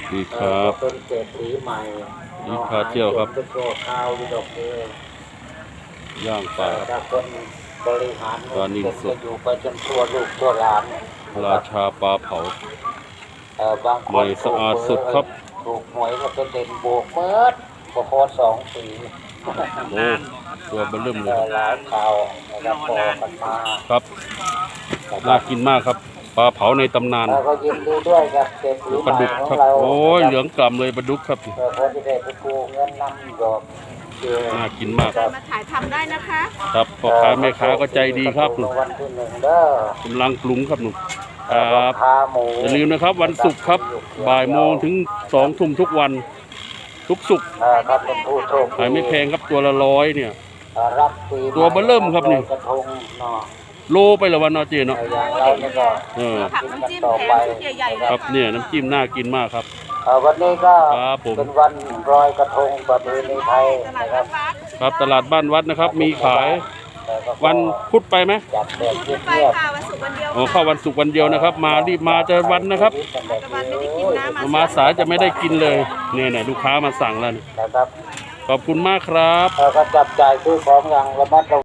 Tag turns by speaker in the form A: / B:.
A: ดีครับ
B: เป็นเศรษฐีใหม่
A: นี่พาเที่ยวครับ
B: เป็นตัวข้าวดอกเบี้ย
A: ย่างปลา
B: ถ้าคนบริหาร
A: ปลานิ่มสด
B: จะอยู่ไปจนทั่วลูกทั่วหลาน
A: ราชาปลาเผา
B: บางค
A: ใหม่
B: น
A: สะอาดสุดครับ
B: ถูกหวยก็เป็นเด่นโบกเมิดก็โคตร2 ปี
A: โอ้ตัวเบลเริ่มเลย
B: หลายข่าวนะครับพอกันมา
A: ครับน่ากินมากครับปลาเผาในตำนาน
B: แล้วก็ยินดีด้วยกับเศรษฐี
A: ปลา
B: ใหม่
A: ดุก
B: ของ
A: ครับ
B: เรา
A: โอ้ยเหลืองกล่ำเลยปลาดุกครับ
B: พอที่ได้ไปกู้เงินนำดอก
A: น่ากินมาก
C: มาถ่ายทำได้นะคะ
A: ครับพ่อค้าแม่ค้าก็ใจดีครับ
B: รางวัลที่1เด้อก
A: ำลังปรุงครับหนุ่มครับ
B: ขาหมู
A: อย่าลืมนะครับวันศุกร์ครับบ่ายโมงถึง2 ทุ่มทุกวัน ทุกศุกร์
B: ครับเป็นผู้โชคดี
A: ขายไม่แพงครับตัวละ100เนี่ย
B: รับปีให
A: ตัวเบิ่มเริ่มครับนี่
B: กระทงเนาะ
A: โลไปละวันเนาะเจเนาะ
B: อย่างเราเนี่ยก็
A: เออ
C: ผักน้ำจิ้ม
B: ต่อ
C: แถ
B: ไป
C: มชุดใหญ่ๆเลย
A: ครับเนี่ยน้ำจิ้มน่ากินมากครับ
B: วันนี้ก็
A: ครับผม
B: เป็นวันลอยกระทงประเพณีไทย
C: ตลาด
B: นะครับ
C: วัด
A: ครับตลาดบ้านวัดนะครับ มีขาย
B: แต่ก็
A: วันพุธไปไหม
B: จัดแบบเ
C: ไป
B: งียบ
C: ค่ะวันศุกร์วันเดียว
A: อ๋อเข้าวันศุกร์วันเดียวนะครับ มารีบมาเจอวันนะครับ
B: ๆ
C: ปัจจุบันไม่ได้กินน้ำ
A: มาสายจะไม่ได้กินเลยเนี่ยลูกค้ามาสั่งแล้วเนี่ย
B: นะครับ
A: ขอบคุณมากครับ
B: แล้วก็จับจ่ายซื้อของอย่างระมัดระวัง